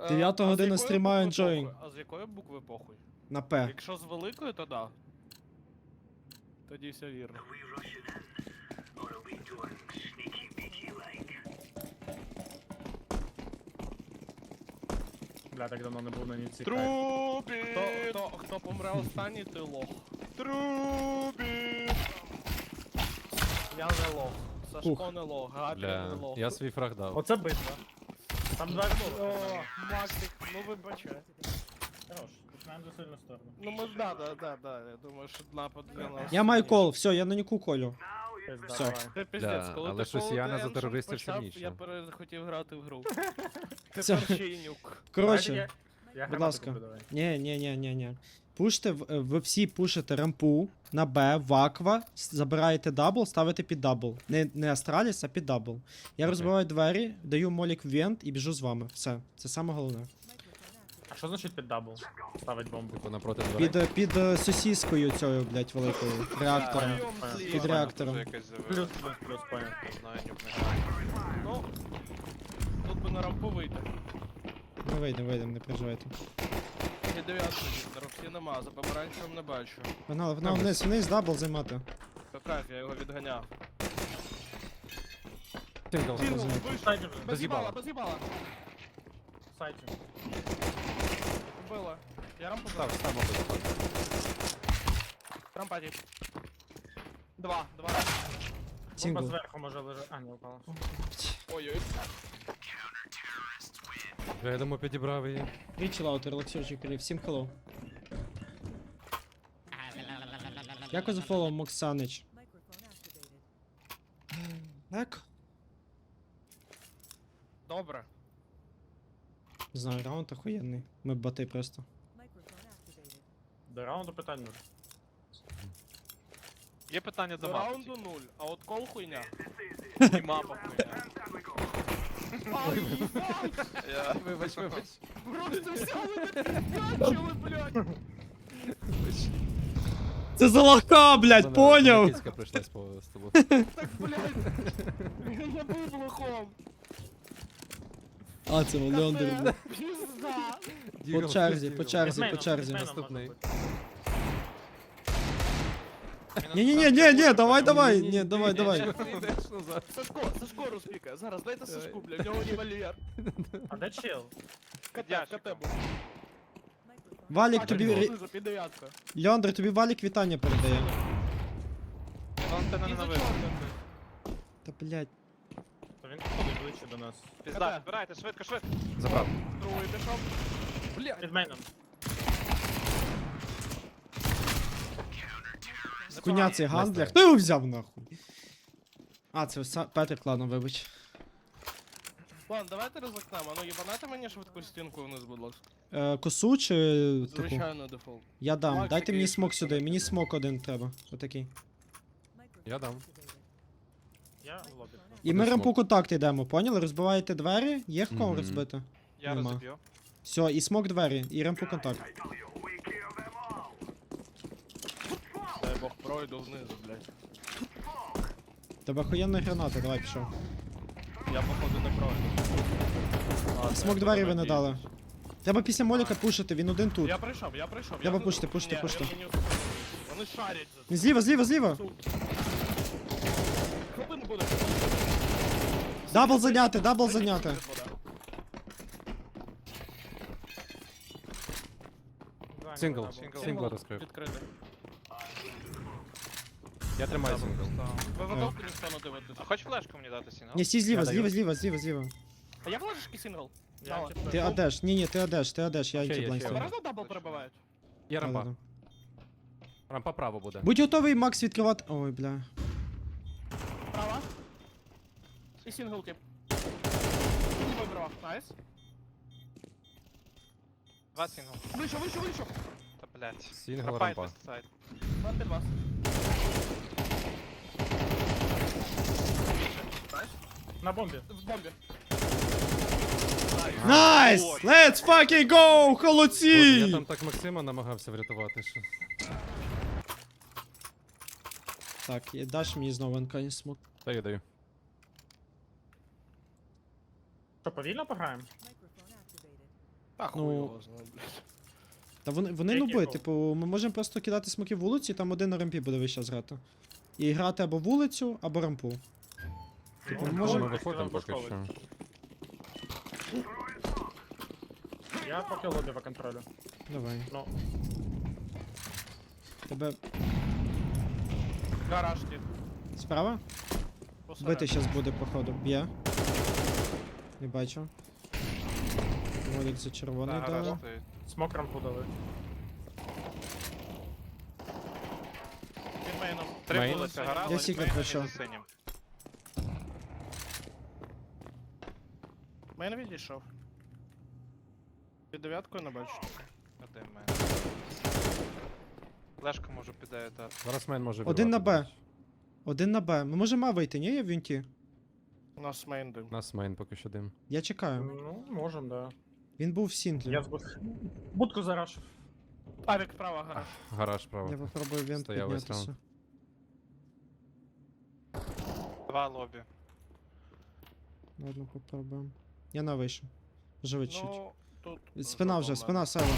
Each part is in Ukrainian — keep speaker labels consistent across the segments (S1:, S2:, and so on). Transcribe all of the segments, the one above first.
S1: 9 година стрімаю, enjoying.
S2: А з якої букви похуй?
S1: На П.
S2: Якщо з великої, то да. Тоді все вірно.
S3: Бля, так давно не був на ніці.
S2: Трубі! Хто помре останній, той лох. Трубі! Я не лох. Сашко не лох, Габі не
S4: Бля,
S2: лох.
S4: я свій фраг дав.
S3: Оце битва. Там два
S2: О,
S3: було.
S2: Максик, ну вибачай.
S3: Хорош, починаємо за сильну сторону.
S2: Ну ми да. Я думаю, що напад для нас.
S1: Я маю кол, все, я на ніку колю.
S3: Пизда,
S1: Все.
S3: давай.
S2: Це піздець,
S4: Да,
S2: коли
S4: але
S2: ти
S4: щось
S2: Call
S4: Яна
S2: of
S4: за
S2: Duty
S4: терористів
S2: почав,
S4: сильніше.
S2: Я захотів грати в гру.
S1: Все.
S2: Тепер ще й нюк.
S1: Коротше,
S3: Я
S1: будь
S3: гранату
S1: ласка.
S3: куплю, давай.
S1: ні. Пуште, ви всі пушите рампу на Б, в аква, забираєте дабл, ставите під дабл. Не Астраліс, а під дабл. Я розбиваю двері, даю молік в вент і біжу з вами. Все, це саме головне.
S3: А що значить під дабл? Ставить бомбу.
S4: Типу напроти дверей.
S1: Під сосіскою цією, блядь, великою. Реактором. Під реактором.
S3: Плюс, понял.
S2: Ну, тут би на рампу вийти.
S1: Ми вийдемо, не переживайте.
S2: І 9 всі нема, за помаранчевим не бачу.
S1: Погнали, вниз, дабл займати.
S2: Кайф, я його відганяв.
S4: Сингл.
S2: Сінгл,
S3: Сайті
S2: вийшов.
S3: вже.
S2: Без їбала, без їбала.
S3: Сайті.
S2: Вбила. Я рампу
S4: Став,
S2: забрав.
S4: став, мабуть, заходь.
S2: Рампа тип. Два.
S3: Бомба
S1: Сінгл.
S3: зверху може лежати. А, не упала.
S2: Ой-ой.
S4: Я думаю, підібрав її.
S1: Вічі релаксірчик, всім хеллоу. Дякую за фоллоу, Моксанич. Так.
S2: Добре.
S1: Не знаю, раунд охуєнний. Ми бати просто.
S3: До раунду питань нуль.
S5: Є питання до
S2: До
S5: мапи.
S2: раунду 0, а от кол хуйня.
S5: І мапа хуйня.
S2: Ай, їбать!
S5: Я...
S4: Вибач.
S2: Просто взяли мене підкачили, блядь!
S1: Це за лоха, блядь, поняв?
S4: Кіцька прийшлась по столу.
S2: Так, блядь! Я був лохом!
S1: А, це Леондер був.
S2: Пізда!
S1: По черзі, по черзі,
S3: Візьмейном,
S1: по черзі.
S3: візьмейном
S4: Наступний.
S3: може бути.
S1: Ні, давай. Ні, давай.
S2: Сашко розпікає. Зараз дайте Сашку, блядь, в нього револьвер.
S3: А де чел?
S2: КТ був.
S1: Валік тобі...
S2: Знизу, під дев'яткою.
S1: Леондр, тобі Валік вітання передає.
S5: Антенна не
S2: І за
S5: навис.
S2: чорним.
S1: Та, блядь.
S3: То він підходить ближче до нас.
S5: Пізда, збирайте, швидко.
S4: Забрав.
S2: Другий пішов.
S3: Під мейном.
S1: Куня цей гандлер. Хто його взяв нахуй? А, це Петрик, ладно, вибач.
S2: Ладно, давайте ризикнемо. Ну, їбанайте мені швидку стінку вниз, будь ласка.
S1: Косу чи таку?
S2: Звичайно, дефолт.
S1: Я дам.
S2: Макс,
S1: Дайте мені
S2: який
S1: смок
S2: швидко.
S1: сюди. Мені смок один треба. Отакий.
S4: Я дам.
S3: Я в лобі.
S1: І ми
S4: Куди
S1: рампу
S4: смок?
S1: контакт йдемо, поняли? Розбиваєте двері, є в кого
S4: Мгм.
S1: розбити?
S5: Я
S1: Нема.
S5: розіб'ю.
S1: Все, і смок двері, і рампу контакт.
S2: Дай Бог пройду внизу, блядь.
S1: Тебе охуєнна граната, давай пішов.
S2: Я походу не пройду. А,
S1: Смок
S2: це
S1: двері ви не
S2: надіюсь.
S1: дали. Треба після моліка пушити, він один тут.
S2: Я прийшов.
S1: Треба
S2: я
S1: пушити,
S2: тут.
S1: пушити,
S2: Ні,
S1: пушити.
S2: я мені успокоюсь. Вони шарять за це.
S1: Зліва!
S2: Хвилин буде.
S1: Дабл зайняти.
S4: Сингл.
S3: Сингл.
S4: Сингл розкрив.
S2: Відкритий.
S4: Я тримаю сингл.
S2: Ви готові ніхто не дивитися?
S5: А хоч флешку мені дати сіно?
S1: Ні, стій зліва,
S4: Я даю.
S1: зліва.
S2: А як флешки сингл?
S3: Я
S2: Дала.
S3: типу,
S1: Ти адеш, ні, ти адеш, я
S4: Ще є,
S1: антиблайнд
S4: ще є.
S1: ставлю.
S2: Правда дабл перебивають?
S4: Є рампа.
S1: Да-да-да.
S4: Рампа право буде.
S1: Будь готовий, Макс, відкривати. Ой, бля.
S2: Права. І сингл тип. Вибрав. Найс.
S5: Два сінгл.
S2: Вийшов.
S5: Та блять.
S4: Сінгл
S5: Пропайт
S4: рампа.
S5: сайт.
S2: Два під вас.
S3: на бомбі.
S2: В бомбі.
S1: Найс! Let's fucking go,
S4: Я
S1: холодці!
S4: там так Максима намагався врятувати, що...
S1: Так, і даш мені знову НК смок.
S4: Та я даю.
S3: Що, повільно пограємо?
S2: Та хуй
S1: Ну,
S2: його знає, блядь.
S1: Та вони
S3: Який
S1: нуби,
S3: гол?
S1: типу, ми можемо просто кидати смоки в вулиці, і там один на рампі буде весь час грати. І грати або вулицю, або рампу. Типу, ми
S3: Ну,
S4: Ми
S1: можемо.
S4: виходимо поки що.
S3: Я поки лобі по контролю.
S1: Давай.
S3: Ну,
S1: Тебе
S2: Гараж тип.
S1: справа?
S2: Посередині.
S1: Бити щас буде, походу. Б'є. Не бачу. Молік за червоний
S5: Та, гараж
S1: дали.
S5: стоїть.
S3: смок рампу дали.
S2: Під мейном.
S5: Три
S4: Мейн.
S5: вулиця гараж,
S1: Я секрет
S5: мейн і
S1: пройшов.
S5: за синім.
S2: Мейн відійшов. Під дев'яткою не бачу.
S5: Один мейн. Флешку можу піде дати.
S4: Зараз мейн може
S1: Один на
S4: вбивати,
S1: Б. Один на Б. Ми можемо А вийти, ні? Я в вінті.
S2: У нас мейн дим.
S4: У нас мейн поки що дим.
S1: Я чекаю.
S3: Ну, можем, да.
S1: Він був в сінглі.
S3: Я будку зарашив.
S2: Авік справа гараж.
S4: Гараж право.
S1: Я попробую вент
S4: Стояв весь
S1: піднятися.
S5: Два лобі.
S1: Ладно, попробуємо. Я на вийшов. Живи чуть.
S2: Ну, тут...
S1: Спина вже, спина, Сева.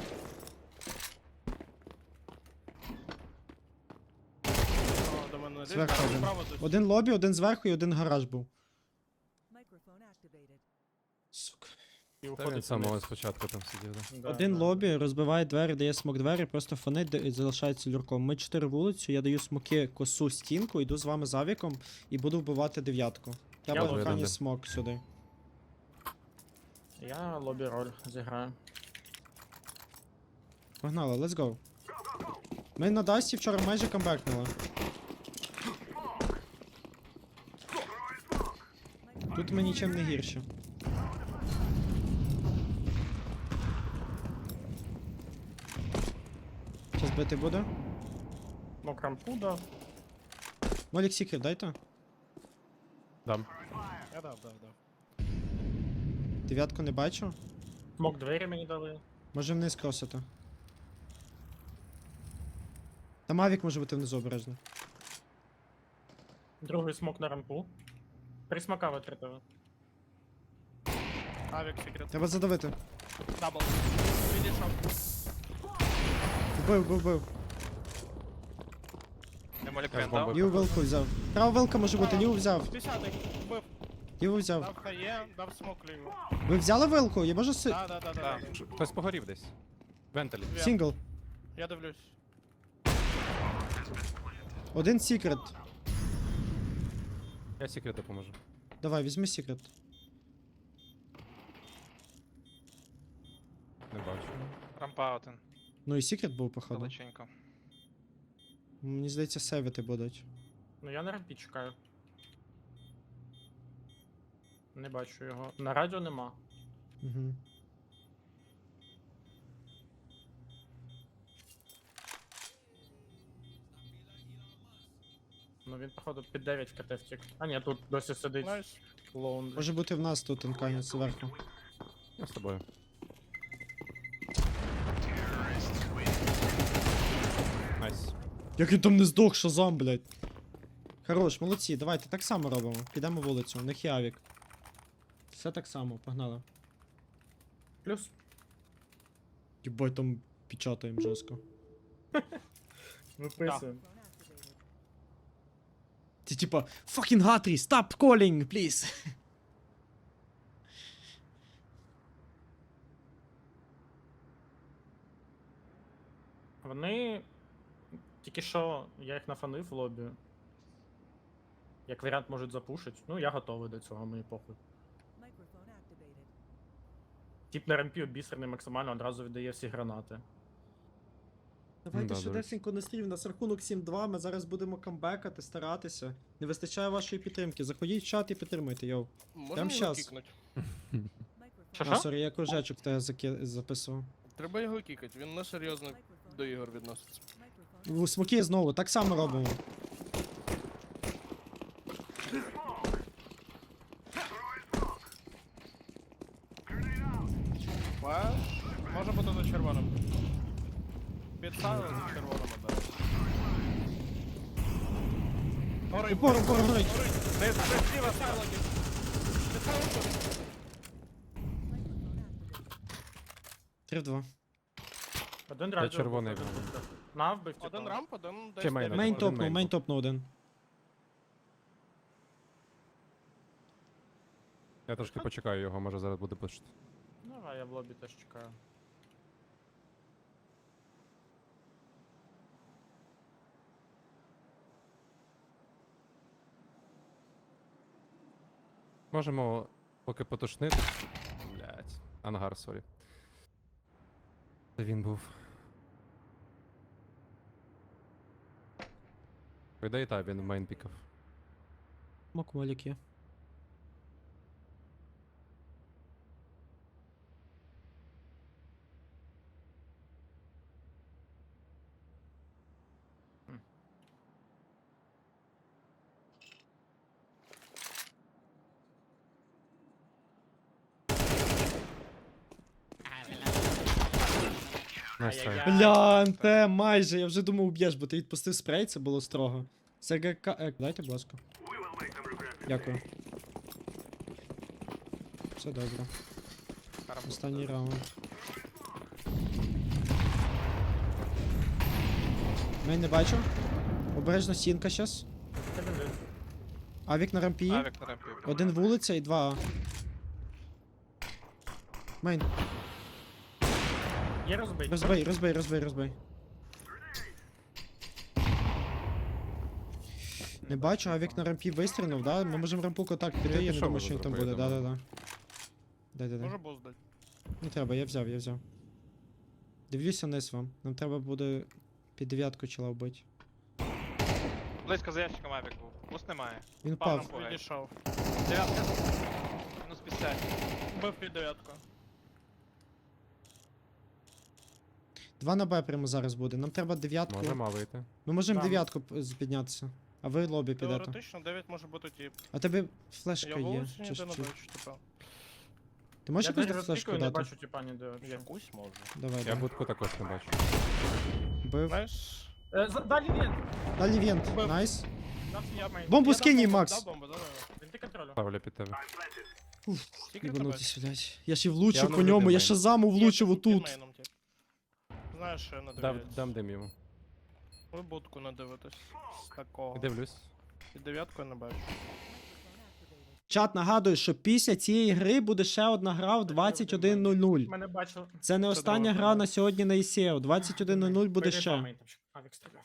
S2: До мене не
S1: Зверху
S2: лізь,
S1: один.
S2: справа десь.
S1: Один лобі, один зверху і один гараж був.
S6: Microphone activated.
S1: Сука.
S3: І
S4: Та він
S3: уходить
S4: з самого
S3: вниз.
S4: спочатку там сидів, да.
S3: Да,
S1: Один
S3: да.
S1: лобі, розбиває двері, дає смок двері, просто фонить і залишається люрком. Ми 4 вулицю, я даю смоки, косу, стінку, йду з вами з авіком і буду вбивати дев'ятку. Я
S3: Я
S1: буду
S4: лобі
S1: крайній
S4: один.
S1: смок сюди.
S3: Я лобі роль зіграю.
S1: Погнали, let's go. Ми на Дасті вчора майже камбекнули. Тут ми нічим не гірші. Щас бити буде?
S3: Смок рампу дав.
S1: Молік Сікрет, дайте.
S4: Дам.
S2: Я дав.
S1: Дев'ятку не бачу.
S3: Смок двері мені дали.
S1: Може вниз кросити. Там авік може бути внизу обережно.
S3: Другий смок на рампу. Три смока витратили.
S2: Авік секрет.
S1: Треба задавити.
S2: Дабл. Відійшов.
S1: Вбив.
S5: Не молік
S4: Так,
S5: він
S4: бомби.
S5: дав.
S1: Ліву вилку взяв. Права вилка може бути, ліву взяв.
S2: 10-й. Вбив.
S1: Ліву взяв.
S2: Дав хає, дав смок ліву.
S1: Ви взяли вилку? Я можу си...
S2: Да.
S5: Да.
S4: Хтось погорів десь. Вентилі.
S1: Сінгл.
S2: Я дивлюсь.
S1: Один секрет.
S4: Я секрет допоможу.
S1: Давай, візьми секрет.
S4: Не бачу.
S5: Рампа один.
S1: Ну і секрет був, походу.
S5: Далеченько.
S1: Мені здається, сейвити будуть.
S3: Ну я на рампі чекаю. Не бачу його. На радіо нема.
S1: Угу.
S3: Ну він, походу, під 9 в КТ втік. А ні, тут досі сидить
S2: Найс.
S3: лоун.
S1: Може бути в нас тут інканець зверху.
S4: Я з тобою. Найс.
S1: Як він там не здох, шазам, блядь. Хорош, молодці, давайте так само робимо. Підемо вулицю, у них є авік. Все так само, погнали.
S3: Плюс.
S1: Єбать там печатаємо жорстко.
S3: Виписуємо.
S6: Microphone activated.
S1: Ти типа, fucking Гатрі, stop calling, please.
S3: Вони. Тільки що я їх нафанив в лобі. Як варіант можуть запушити. Ну, я готовий до цього, мені похуй.
S6: Microphone activated.
S3: Тіп на рампі обісрений максимально одразу віддає всі гранати.
S1: Давайте
S4: Да, до
S1: швидесенько на стрім, у нас рахунок 7-2, ми зараз будемо камбекати, старатися. Не вистачає вашої підтримки. Заходіть в чат і підтримуйте, йоу.
S2: Можна
S1: Прям
S2: його
S1: щас.
S2: кікнуть?
S6: Microphone.
S3: Що?
S1: А, сорі, я кружечок тебе записував.
S2: Треба його кікати, він несерйозно
S6: Microphone.
S2: до ігор відноситься.
S6: Microphone.
S1: У смоки знову, так само робимо.
S2: Флеш. Може бути за червоним. Підставили за червоним ударом. Горить.
S1: Упор, горить.
S2: Горить. Низ, зліва, сайлоки. Підставили тут.
S6: Microphone activated.
S1: 3-2.
S3: Один радіо.
S4: червоний
S3: був,
S4: був.
S3: один. На вбив, типу.
S2: Один рамп, один десь
S4: Ще мейн,
S2: дев'ять
S1: Мейн
S2: може.
S1: топнув,
S4: мейн
S1: мейн
S4: був.
S1: топнув один.
S4: Я трошки почекаю його, може зараз буде пушити.
S3: Давай, я в лобі теж чекаю.
S4: Можемо поки потушнити. Блять. Ангар, сорі. Це він був. По ідеї, та, він в мейн пікав.
S1: Мок молік є.
S4: Найс трай.
S3: Ай-яй-яй.
S1: Бля, НТ, майже, я вже думав уб'єш, бо ти відпустив спрей, це було строго. СГК, дайте, будь ласка. Дякую. Все добре. Останній раунд. Мейн не бачу. Обережно сінка щас.
S3: Це він жив.
S1: Авік на рампі.
S5: Авік на рампі.
S1: Один вулиця і два. Мейн,
S3: Є розбить.
S1: розбий, розбий, розбий, розбий. Не бачу, авік на рампі вистрілив, да? Ми можемо рампу контакт піти, я не
S4: пішов
S1: думаю,
S4: уже
S1: що він там
S4: зробити,
S1: буде.
S4: думаю.
S1: Да-да-да. Дай-дай-дай.
S2: Може буз дати.
S1: Не треба, я взяв, я взяв. Дивлюся вниз вам. Нам треба буде під дев'ятку чола вбити.
S5: Близько за ящиком авік був. Буст немає.
S1: Він
S5: Впав
S1: впав.
S5: на
S2: Відійшов.
S5: Дев'ятка. Мінус 50.
S2: Бив під дев'ятку.
S1: 2 на Б прямо зараз буде. Нам треба дев'ятку.
S4: Можемо вийти.
S1: Ми можемо
S3: Там.
S1: дев'ятку піднятися. А ви лобі підете.
S2: Теоретично 9 може бути тіп.
S1: А тебе
S2: Я
S1: флешка є.
S2: вулицю
S1: Чи,
S2: ніде не
S1: чи...
S2: бачу, типа.
S1: Ти можеш
S3: Я
S1: якусь
S3: десь
S1: флешку
S3: розпікую, не
S1: дати?
S3: бачу типа ніде.
S2: Якусь можу.
S1: Давай,
S4: Я
S1: давай.
S4: будку також не бачу.
S1: Бив.
S2: Знаєш?
S3: Далі він.
S1: Далі вент.
S2: Бив.
S1: Найс.
S2: Я мейн.
S1: Бомбу
S2: Я дав
S1: скинь їй,
S2: бомбу,
S1: Макс.
S2: дав бомбу, давай.
S3: Він ти контролю.
S4: Ставлю під тебе.
S2: Скільки тебе?
S1: Ібанутись, блядь. Я ще й влучив
S4: Я
S1: по
S4: воно
S1: ньому,
S4: вже
S1: я
S4: димаю.
S1: шазаму влучив
S2: Під
S1: отут.
S2: мейном, тип. Знаєш, що я не
S4: Дам
S2: дивлюсь.
S4: дим йому.
S2: Ви будку не дивитесь. З такого.
S4: Дивлюсь.
S2: Під дев'ятку я не бачу.
S1: Чат нагадує, що після цієї гри буде ще одна гра в 21:00.
S3: Мене бачив.
S1: Це не остання
S2: друга
S1: гра
S2: гра.
S1: на сьогодні на ICO. 21:00 буде ще.
S3: Авік стріляв.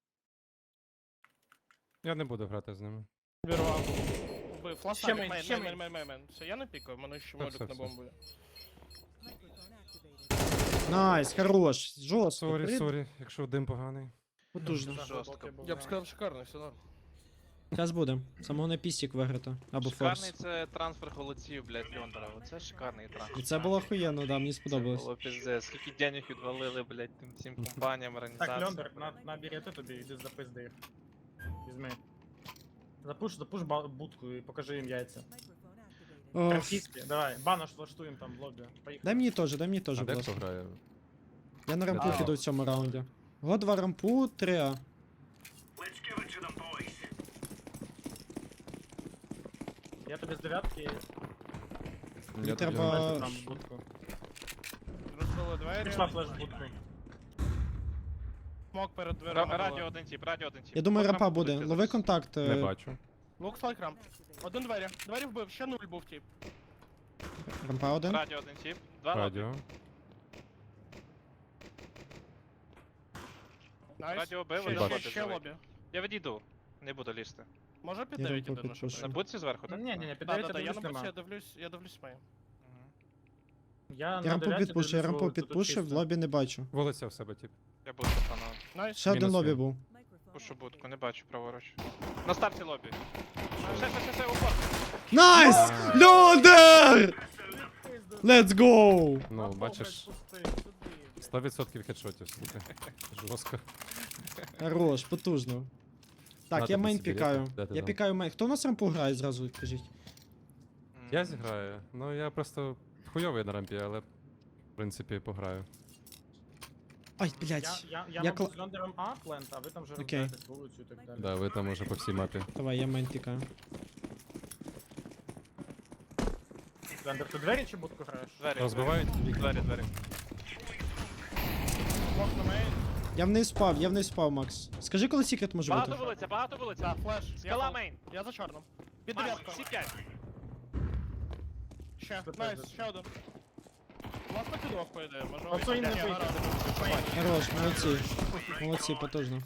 S4: Я не буду грати з ними.
S2: Вірвав. Вбив. Флаш
S3: Ще
S2: мейн,
S3: мейн, ще мейн.
S2: мейн. Все, я не пікаю, мене ще
S4: Так,
S2: молік
S4: все,
S2: на
S4: все.
S2: бомбу.
S6: Microphone activated.
S1: Найс, хорош. Жорстко.
S4: Сорі, сорі, якщо дим поганий.
S1: Потужно.
S5: Жорстко.
S2: Я б сказав, шикарно, все норм.
S1: Зараз буде. Самого на пістік виграти. Або
S5: Шикарний
S1: форс.
S5: це трансфер голодців, блядь, Льондера. Оце шикарний трансфер.
S1: І це було охуєнно, да, мені сподобалось.
S5: Це було піздець. Скільки денег відвалили, блядь, тим всім компаніям,
S3: Так,
S5: організаціям.
S3: Льондер, на бірети тобі, іди запизди їх. Візьми. Запуш будку і покажи їм яйця.
S6: Microphone activated.
S1: Ох.
S3: Франківські, давай, банош влаштуємо там в лобі. Поїхали.
S1: Дай мені теж, дай мені теж,
S4: А
S1: будь
S4: де
S1: ласка.
S4: хто грає?
S1: Я на рампу
S4: А.
S1: піду в цьому раунді. Го 2 рампу, 3А.
S3: Я тобі з дев'ятки
S1: Мені
S4: Я
S1: треба-
S4: тобі не
S3: бачу
S4: бачу.
S3: там будку.
S2: Розбили двері.
S3: Пішла флеш в будку.
S2: Смок перед дверима.
S5: Радіо один тип, радіо один тип.
S1: Я думаю,
S5: От
S1: рампа
S5: рампу
S1: буде.
S5: будете
S1: Лови
S5: зараз.
S1: контакт.
S4: Не бачу.
S2: Лук слайк рамп. Один двері. Двері вбив, ще нуль був тип.
S1: Рампа один.
S5: Радіо один тип. Два лобі.
S4: Радіо.
S2: Найс.
S5: Радіо бив,
S2: Ще-
S5: один
S4: бачу.
S5: лобі
S2: Ще
S5: живий.
S2: лобі.
S5: Я відійду. Не буду лізти.
S2: Може під
S1: Я
S2: 9
S1: рампу
S2: єдине, що
S1: підпишу.
S5: На
S2: прийде.
S5: будці зверху, так?
S3: Ні, ні, ні, під
S2: Да,
S3: дев'яти
S2: да, я
S3: дивлюсь
S2: на
S3: нема.
S2: будці, я дивлюсь маю.
S5: Мгм.
S3: Я
S1: Я рампу
S3: дев'ятці
S1: підпушив, я
S3: дивлюсь,
S1: рампу
S3: тут
S1: підпушив,
S3: чисто.
S1: лобі не бачу.
S4: Вулиця в себе, тип.
S5: Я буду пацаном.
S2: Найс.
S1: Ще один
S4: Мінус
S1: лобі
S4: він.
S1: був.
S6: Microphone
S5: Пушу будку,
S6: activated.
S5: не бачу праворуч. На старті лобі. Все, упор.
S1: Найс! Льондер! Let's go!
S4: Ну,
S3: Рампу,
S4: бачиш,
S3: блядь, пусти, сюди, блядь.
S4: 100% хедшотів, слухай. Жорстко.
S1: Хорош, потужно. Так,
S4: Надо
S1: я мейн
S4: собі
S1: пікаю.
S4: ряд. Де ти
S1: Я
S4: там?
S1: пікаю мейн. Хто у нас рампу грає зразу, кажіть?
S4: Я зіграю. Ну я просто хуйовий на рампі, але в принципі пограю.
S1: Ай, блядь.
S3: Я
S1: Я
S3: мабуть,
S1: кла-
S3: з Льондером А плент, а ви там вже
S1: Окей.
S3: розбираєтесь вулицю і так далі.
S4: Да, ви там уже по всій мапі.
S1: Давай, я мейн пікаю.
S3: Льондер, ти двері чи будку граєш?
S5: Двері.
S4: Розбивають?
S5: Двері.
S2: Смок на мейн.
S1: Я вниз впав, Макс. Скажи, коли секрет може бути.
S5: Багато вулиця.
S2: Так, флеш.
S5: Скала мейн.
S2: Я за чорним. Під
S5: Маш,
S2: дев'ятку.
S5: всі 5.
S2: Ще. Найс, ще один. Власне підвох, по ідеї. Може
S3: Оце і не
S2: Ні,
S3: вийде.
S2: гаразд.
S1: Хорош, молодці. Молодці, потужно.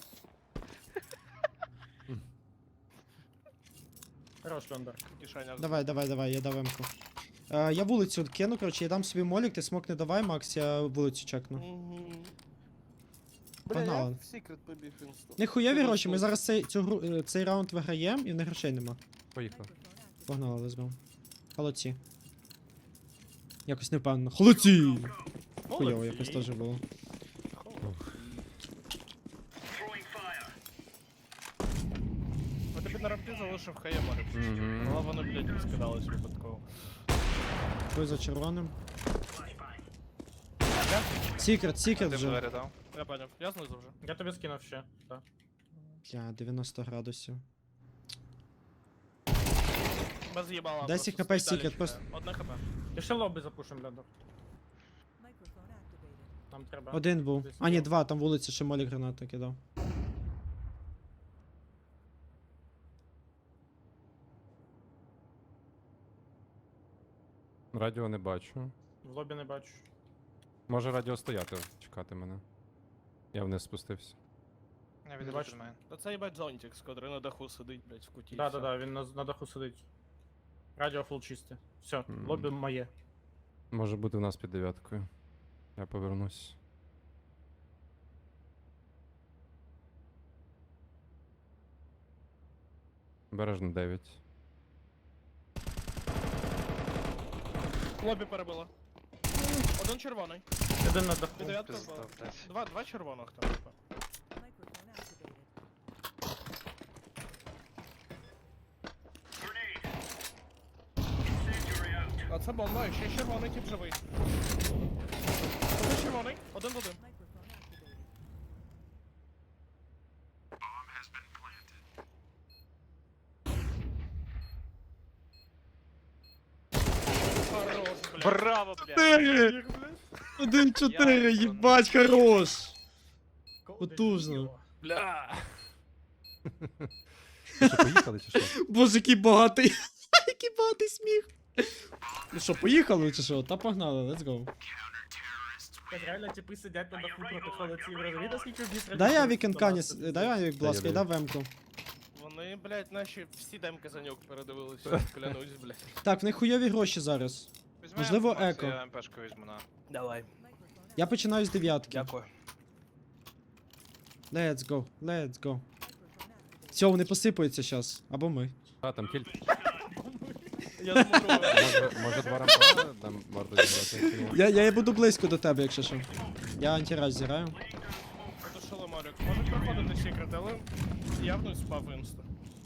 S3: Хорош, Лендер.
S2: Кишеня.
S1: Давай, я дав М-ку. Я вулицю кину, коротше, я дам собі молік, ти смок не давай, Макс, я вулицю чекну.
S2: Мгм.
S1: Погнали.
S2: Бля, я в секрет побіг інсту.
S1: Не хуйові гроші, ми зараз цей раунд виграємо і в них грошей нема.
S4: Поїхали.
S1: Погнали, лезбом. Холодці. Якось непевно. Холодці! Хуйово
S3: Молодці.
S1: якось теж було.
S2: А тобі на рампі залишив хає може.
S4: Мгм.
S2: Але вони, блядь, розкидались випадково.
S1: Той за червоним. Секрет вже.
S2: Я поняв, я знизу вже.
S3: Я тобі скинув ще. Так.
S1: Бля, 90 градусів.
S2: Без їбала.
S1: 10
S2: просто
S1: хп
S2: стоїть
S1: секрет,
S2: далі
S1: просто.
S2: чекає. Одне хп.
S3: І ще лобі запушим, Лендер.
S6: Microphone activated.
S3: Нам треба.
S1: Один був.
S3: Десь
S1: А ні,
S3: є.
S1: два, там вулиці ще молік гранати кидав.
S4: Радіо не бачу.
S3: В лобі не бачу.
S4: Може радіо стояти, чекати мене. Я вниз спустився.
S5: Я
S3: Не
S5: відійду
S3: бачу.
S5: від мене.
S2: Та це їбать зонтик, з котрий на даху сидить, блядь, в куті. і
S3: Да,
S2: все.
S3: да, да, він на даху сидить. Радіо фул чисте. Все,
S4: Мгм.
S3: лобі моє.
S4: Може бути в нас під дев'яткою. Я повернусь. Бережно 9.
S2: Лобі перебило. Один червоний.
S3: Один на даху.
S2: Під дев'ятку
S5: Пизда,
S2: впав.
S5: блядь.
S2: Два червоних там. типа.
S6: Microphone activated.
S2: А це бомба, і ще червоний тип живий. Один червоний, один в один.
S6: Microphone activated.
S2: Хорош, блядь.
S5: Браво, блядь!
S1: 1-4, їбать, хорош! Потужно.
S2: Бля.
S4: Що, поїхали чи що?
S1: Боже, який багатий. Який багатий сміх. Ну що, поїхали чи що? Та погнали, let's go.
S3: Так реально типи сидять на даху проти холодців. Розумієте, скільки бістро?
S1: Дай авік Енканіс, дай авік, будь ласка, і
S4: Даю.
S1: дай вемку.
S2: Вони, блядь, наші всі демки за нього передивились, клянусь, блядь.
S1: Так, в них хуйові гроші зараз.
S5: Візьми
S1: Можливо,
S5: Макс,
S1: еко.
S5: Я МПшку візьму на.
S2: Давай.
S6: Microphone
S1: Я починаю з дев'ятки.
S2: Дякую.
S1: Let's go, let's go.
S6: Microphone activated.
S1: Все, вони посипаються зараз. Або ми.
S4: А, там кіль.
S2: Я замурую.
S4: Може два рампа там варто зібрати.
S1: Я буду близько до тебе, якщо що. Я антираж зіраю.
S2: Потушили Марік. Може проходити секрет, але явно спав інста.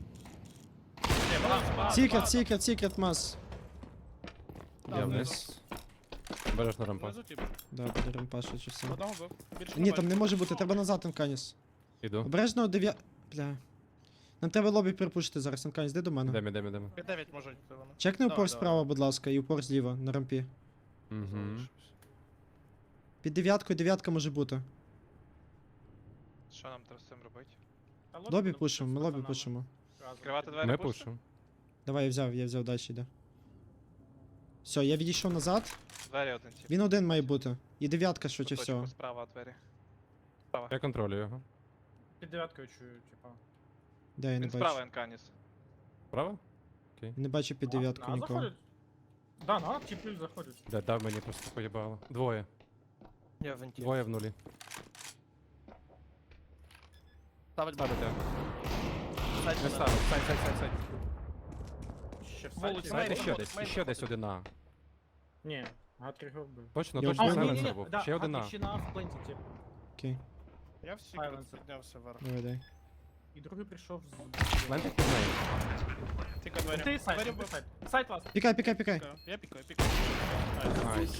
S1: Секрет, мас.
S4: Я вниз. Бережно рампа.
S2: Внизу тип.
S1: Да, буде ремпашу чи все.
S2: Одного бив. Більше
S1: Ні, там не може бути, треба назад Енканіс.
S4: Іду.
S1: Обережно Бля. Нам треба лобі припушити зараз, Енканіс, йди до мене.
S4: Йдемо.
S2: Під 9 може йти вони.
S1: Чекни
S2: Давай,
S1: упор
S2: давай.
S1: справа, будь ласка, і упор зліва, на рампі.
S4: Угу.
S1: Під дев'яткою, дев'ятка може бути.
S5: Що нам треба з цим робити?
S1: Лобі пушимо, ми лобі пушимо.
S5: Відкривати двері
S4: Ми
S5: пушити?
S4: пушимо.
S1: Давай, я взяв, далі йде. Все, я відійшов назад.
S5: Двері один тип.
S1: Він один має бути. І дев'ятка швидше
S5: Куточку
S1: всього.
S5: Справа двері.
S4: Я контролюю його.
S3: Під дев'яткою чую, типа.
S1: Де я не
S5: Він справа
S1: бачу?
S5: Енканіс.
S4: Право?
S1: Я не бачу під дев'ятку
S3: На
S1: нікого.
S3: заходять? Да, на типи заходять.
S4: Да, дав мені просто поїбало. Двоє.
S2: Я в венті.
S4: Двоє в нулі.
S2: Ставить бабу.
S4: Ставите.
S2: Сайт
S4: Не
S2: мене.
S4: ставив. Сайт.
S3: Ще в
S2: Вулиця,
S3: сайті.
S4: Знаєте,
S2: Мейн
S4: ще
S2: виходить,
S4: десь.
S2: мейн
S4: Ще десь
S2: виходить.
S4: одина.
S3: Ні, Гатрі його вбив.
S4: Точно,
S1: Я
S4: точно
S1: вбив.
S4: сайленсер був. Ще одина.
S3: Ще на впленті, тип.
S1: Окей,
S2: Я в секрет
S3: Сайленсер.
S2: піднявся вверх.
S1: давай.
S3: І другий прийшов з...
S4: Лентик під нею.
S2: Тільки двері.
S3: Ти сайт,
S2: Двері
S3: ти
S2: бив.
S3: сайт. Сайт вас.
S1: Пікай.
S2: Я пікаю.
S4: Найс.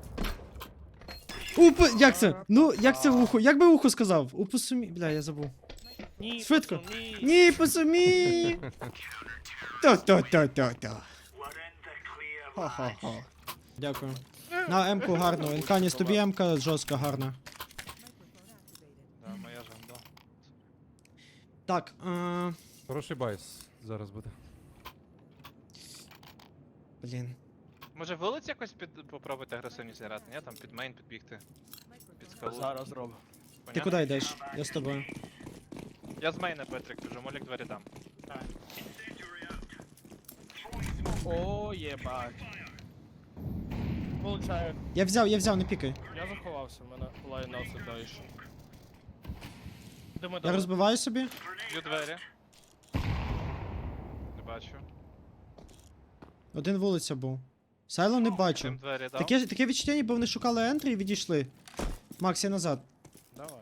S1: Як це? Ну, як це ухо? Як би ухо сказав? У посумі. Бля, я забув.
S2: Ні,
S1: Швидко.
S2: пацан, ні.
S1: Ні, посумі. То. Ха-ха-ха. Дякую. На М-ку гарно. Енканіс, тобі М-ка жорстка гарна. Так,
S4: Хороший байс зараз буде.
S1: блін.
S5: Може вулиць якось попробуйте агресивність грати, ні? Там під мейн підбігти. Під скалу.
S2: Зараз зроблю.
S1: Ти
S5: Понятно?
S1: куди йдеш? Я з тобою.
S5: Я з мейна Петрик біжу, молік двері дам.
S2: О, єбать. Получаю.
S1: Я взяв, не пікай.
S2: Я заховався, в мене лайнав сюди йшов. Думаю,
S1: Я розбиваю собі.
S5: Б'ю двері. Не бачу.
S1: Один вулиця був. Сайло не
S5: Тим
S1: бачу.
S5: двері дав.
S1: Таке відчуття, ніби вони шукали ентрі і відійшли. Макс, я назад.
S2: Давай.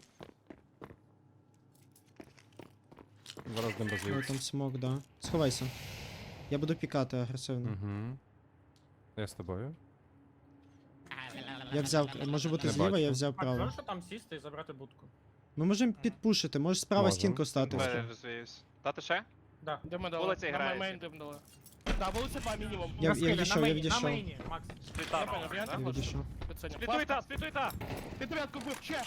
S4: Зараз з ним
S1: Ой,
S4: розвіюсь.
S1: там смок, да. Сховайся. Я буду пікати агресивно.
S4: Угу. Я з тобою.
S1: Я взяв, може бути
S4: Не
S1: зліва,
S4: бачу.
S1: я взяв
S3: Так,
S1: право.
S3: можеш там сісти і забрати будку?
S1: Ми можемо підпушити, можеш справа
S4: Можем.
S1: стінку стати.
S5: Двері розвіюсь. Дати ще?
S3: Да.
S2: Де ми дали?
S5: Вулиця
S2: На
S5: грається.
S2: мейн дим дали. Да, вулиця 2 мінімум.
S1: Я
S3: На скелі,
S1: відійшов,
S3: на
S1: я
S3: мейні,
S1: відійшов.
S3: На мейні, Макс.
S5: Спліта.
S2: Я поняв, я
S5: да?
S2: так
S1: Я відійшов.
S2: Підсиню.
S5: Сплітуй та, сплітуй та!
S2: Під дев'ятку вбив, ще!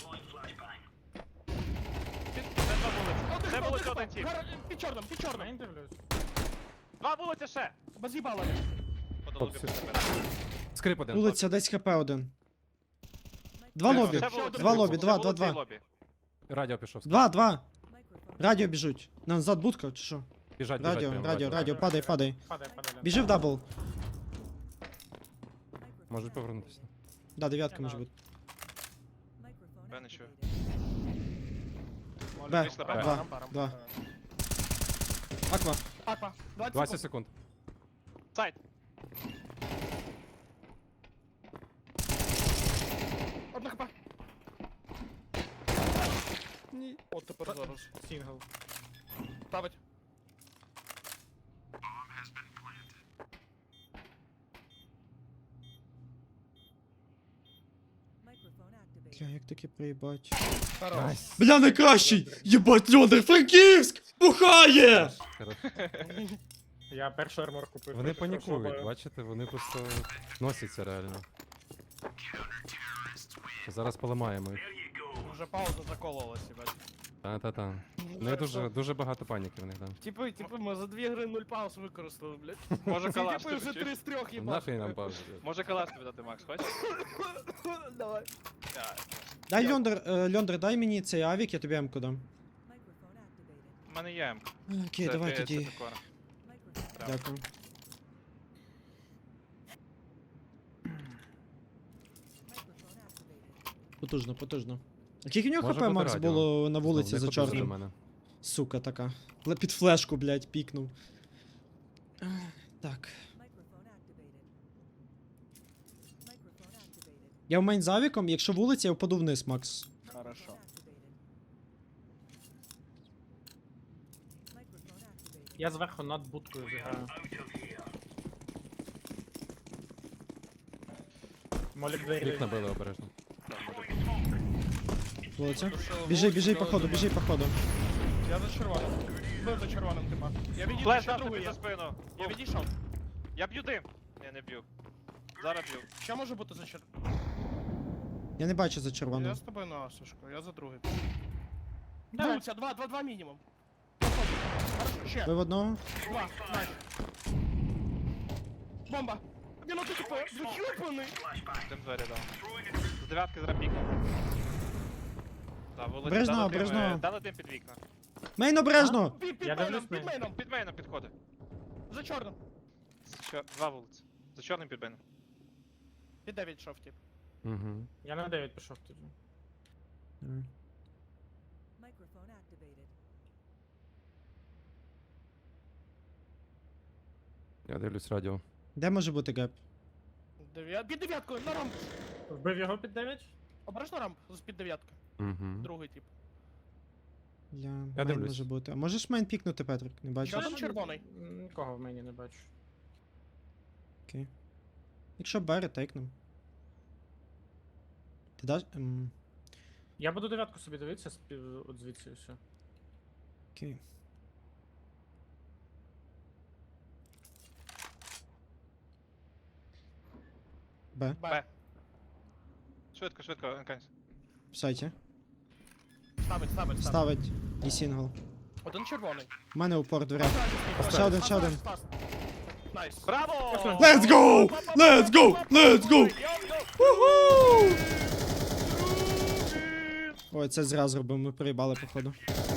S5: Це два вулиці. Це вулиця один тіп.
S2: Під чорним.
S3: Мейн дивлюсь.
S5: Два вулиці ще!
S2: Без їбала.
S5: По долубі
S4: Хлопці.
S5: тебе.
S4: Скрип один.
S1: Вулиця, десь хп один. Два
S5: Ще
S1: лобі.
S5: вулиця,
S1: Два лобі,
S5: ще
S1: два,
S5: вулиця
S1: два,
S5: і
S1: два.
S5: лобі.
S4: Радіо пішов.
S1: Два.
S6: Microphone
S1: Радіо біжуть. Назад будка, чи що?
S4: Біжать,
S1: Радіо,
S4: прямо,
S1: радіо, падай.
S3: Падай.
S1: Біжи в дабл.
S4: Можуть повернутися.
S1: Да, дев'ятка може бути.
S5: Я не чую.
S1: Б,
S5: Вийшла Б.
S1: два. Аква.
S2: Аква.
S4: 20 секунд.
S5: Сайт.
S2: Одна хп. От тепер зараз.
S3: Сінгл.
S2: Ставить.
S6: Microphone activated.
S1: Бля, як таке проїбать.
S2: Хорош.
S1: Бля, найкращий! Єбать, Льондер, Франківськ! Бухає!
S4: Хорош.
S3: Я першу армор купив.
S4: Вони
S3: проти хорошого
S4: панікують,
S3: бою.
S4: бачите, вони просто носяться реально. Зараз поламаємо їх.
S2: Вже пауза закололась, бачиш.
S4: Та-та-та. У них дуже багато паніки в них там.
S2: Типи, ми за 2 гри 0 пауз використали, блядь.
S5: Може
S2: Ці
S5: калаш
S2: типи вже
S5: тобі
S2: 3 з 3 їбать.
S4: Нафіг нам паузу.
S5: Може калаш тобі дати, Макс, хочеш?
S2: Давай.
S1: Дай Льондер, дай мені цей авік, я тобі М-ку дам.
S6: Microphone activated.
S5: У мене є М.
S1: Окей, давай тоді.
S6: Microphone.
S1: Дякую.
S6: Microphone activated.
S1: Потужно. А скільки в нього
S4: Може
S1: хп
S4: бути
S1: Макс
S4: радіо.
S1: було на вулиці
S4: Знову
S1: за
S4: не ходили до
S1: чорним?
S4: мене.
S1: Сука така. Під флешку, блядь, пікнув. Так.
S6: Microphone activated. Microphone activated.
S1: Я в мейн з авіком, якщо вулиця, я впаду вниз, Макс.
S2: Хорошо.
S6: Microphone activated. Microphone activated.
S3: Я зверху над будкою зіграю. Молік двері.
S4: Вікна били обережно.
S1: Вулиця.
S2: Душило
S1: Біжи,
S2: вулицю,
S1: біжи по ходу.
S2: Я за червоним. Бив за червоним, типа. Я відійшов,
S5: Флеш
S2: ще
S5: дав
S2: другий
S5: тобі
S2: є.
S5: за спину.
S2: Я відійшов.
S5: Я б'ю дим. Ні, не б'ю. Зараз б'ю.
S2: Що може бути за червоним?
S1: Я не бачу за червону.
S2: Я з тобою на Асушку, я за другий.
S3: Давай.
S2: Вулиця, 2 мінімум. Хорошо, ще.
S1: Ви в одного?
S2: 2, найс. Бомба. Він отут типу, зачупаний.
S5: Дим двері дав. З дев'ятки зараз пікнув. Так, вулиця
S1: Обережно,
S5: дали дим,
S1: обережно.
S5: дали дим під вікна.
S1: Мейн обережно!
S2: Під
S3: Я
S2: мейном,
S3: дивлюсь
S2: під
S3: на-
S2: мейном.
S5: Під мейном підходи.
S2: За чорним.
S5: Два вулиці. За чорним під мейном.
S2: Під 9 йшов, тип.
S4: Угу.
S3: Я на 9 пішов тоді.
S6: Microphone activated.
S4: Я дивлюсь радіо.
S1: Де може бути геп?
S2: Під дев'яткою, на рамп.
S3: Вбив його під 9?
S2: Обережно рамп, під дев'ятки.
S4: Угу.
S2: Другий тип.
S1: Бля,
S4: Я
S1: мейн
S4: дивлюсь.
S1: може бути. А можеш мейн пікнути, Петрик? Не бачу.
S2: Що там червоний?
S3: Нікого в мені не бачу.
S1: Окей. Якщо Б, ретейкнем. Ти даш?
S3: Я буду дев'ятку собі дивитися от звідси і все.
S1: Окей. Б.
S5: Б. Швидко, швидко, Енканс.
S1: В сайті.
S2: Ставить.
S1: Ставить. І сингл.
S2: Один червоний.
S1: У мене упор дверя. Ще один, ще один.
S2: Найс.
S5: Браво!
S1: Let's go! Let's go! Let's go! Уху! Ой, це зря зробив, ми проїбали, походу.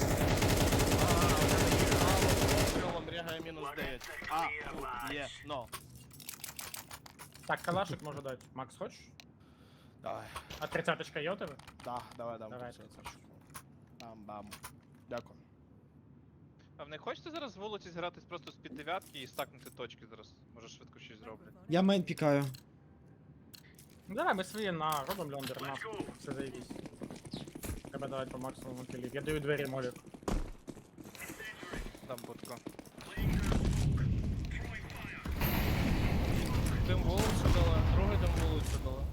S2: Крилом рягає мінус 9. А, є, но.
S3: Так, калашик може дати. Макс, хочеш?
S2: Давай.
S3: А 30-ка є у тебе?
S2: Да, давай, дам.
S3: Давай.
S2: Бам-бам. Дякую.
S5: А в не хочете зараз з вулиці згратись просто з під дев'ятки і стакнути точки зараз? Може швидко щось зроблять.
S1: Я мейн пікаю.
S3: Ну давай, ми свої на робимо льондер, на. Все заїбись. Треба давати по максимуму кілів. Я даю двері молік.
S5: Дам будку.
S2: Дим вулицю дали, другий дим вулицю дали.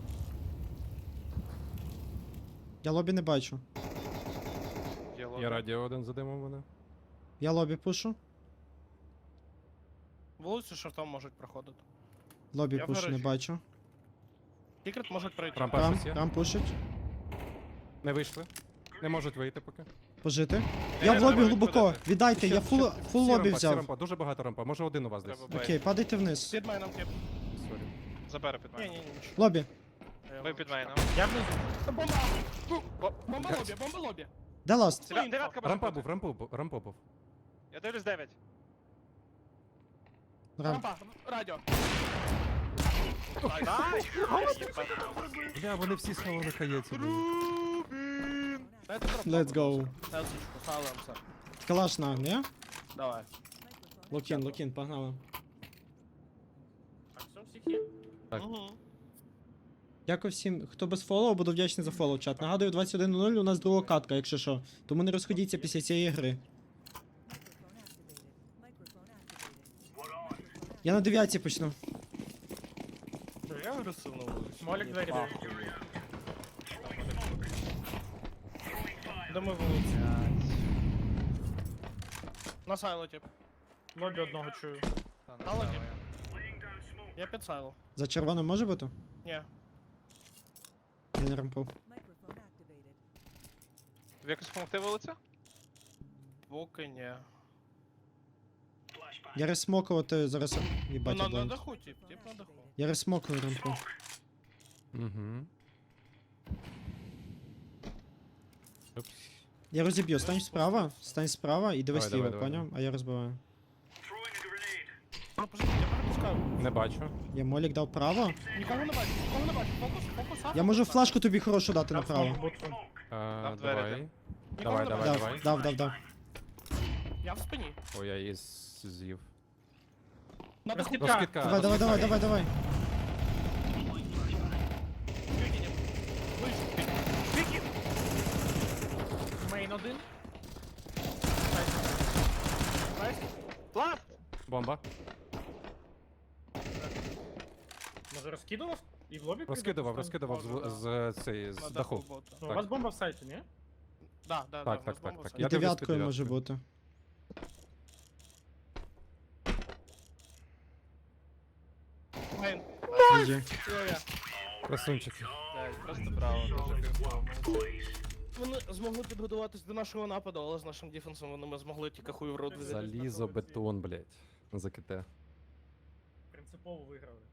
S1: Я лобі не бачу.
S5: Є лобі.
S4: Я радіо один задимав мене.
S1: Я лобі пушу.
S2: Вулицю шортом можуть проходити.
S1: Лобі
S2: Я в
S1: пушу, не
S2: гаражі.
S1: бачу.
S2: Секрет можуть пройти.
S4: Рампа
S1: Рам,
S4: щось є?
S1: рам пушить.
S4: Не вийшли. Не можуть вийти поки.
S1: Пожити.
S5: Я
S1: Я в
S5: не
S1: лобі
S5: знаю,
S1: глибоко.
S5: куди
S1: Віддайте, я фул
S4: Всі
S1: лобі
S4: рампа, всі
S1: взяв.
S4: рампа, дуже багато рампа. Може один у вас десь.
S5: Треба
S1: Окей,
S5: бейт.
S1: падайте вниз.
S2: Під майном тип.
S4: Сорі.
S5: Забере під
S2: Ні,
S5: мене.
S2: ні, ні, нічого.
S1: Лобі.
S5: Ви під мене.
S3: Я внизу.
S2: Бомба! Бомба лобі, бомба лобі.
S1: Де ласт?
S5: Дев'ятка може
S4: Рампа
S5: бути.
S4: був, рампа був.
S5: Я дивлюсь 9.
S1: Рам.
S2: Рампа, радіо.
S4: Бля, вони всі сховали хаєці.
S5: Рубін!
S2: Дайте дроп.
S1: Let's go.
S2: Тесочку, ставимося.
S1: Калаш на, ні?
S2: Давай.
S1: Локін, локін, погнали.
S3: Так, все, всіх є.
S4: Так.
S2: Угу.
S1: Дякую всім, хто без фоллоу, буду вдячний за фоллоу, чат. Нагадую, 21:00 у нас друга катка, якщо що. Тому не розходіться після цієї гри. Я на 9 почну.
S2: Я агресивно вулицю.
S3: Молік двері даю.
S2: Де ми вулицю? На сайло тип.
S3: Лобі одного чую.
S5: Та, не
S2: Але
S5: знаю
S2: ні.
S5: я.
S2: Я під сайло.
S1: За червоним може бути?
S2: Ні.
S1: Він рампов.
S5: Тобі якось допомогти вулиця?
S2: Поки ні.
S1: Я розсмокувати зараз.
S2: Ну,
S1: Їбать, я
S2: на
S1: блайнд.
S2: даху тип на даху.
S1: Я розсмокую рампу.
S4: Угу.
S1: Я розіб'ю, стань справа і дивись
S4: Давай,
S1: ліво,
S4: давай,
S1: поняв? А я розбиваю.
S2: Ну, пожалуйста, я перепускаю.
S4: Не бачу.
S1: Я молік дав право.
S2: Нікого не бачу, нікого не бачу. Фокус, а?
S1: Я можу флешку тобі хорошу дати
S3: Я
S1: направо.
S3: зможу бути.
S5: Там двері
S4: Давай.
S5: йдем.
S2: Нікого
S4: Давай,
S2: не
S4: давай,
S2: бачу.
S4: давай.
S1: Дав.
S2: Я в спині.
S4: Ой, я її з'їв.
S2: На даху.
S3: Розкидка.
S4: Розкидка.
S1: Давай.
S2: Викинем. Вийшов.
S3: Мейн один.
S2: Найс.
S5: Плав!
S4: Бомба.
S3: Може розкидував? І в лобі
S4: Розкидував з цієї, з
S2: На
S4: даху.
S2: бота.
S3: Ну, у вас бомба в сайті, ні?
S2: Да,
S4: Так,
S2: в нас
S4: так,
S2: бомба
S4: так.
S2: все.
S1: І
S4: Я дивлюсь
S1: дев'яткою
S4: під
S1: може
S4: дев'яткою.
S1: бути.
S2: Мейн.
S1: Є.
S2: Йо-я.
S4: Красунчики.
S5: Блядь, просто браво, дуже кайфово.
S2: Вони змогли підготуватись до нашого нападу, але з нашим дефенсом вони ми змогли тільки хуй в рот взяти.
S4: Залізо, бетон, блядь. За КТ.
S3: Принципово виграли.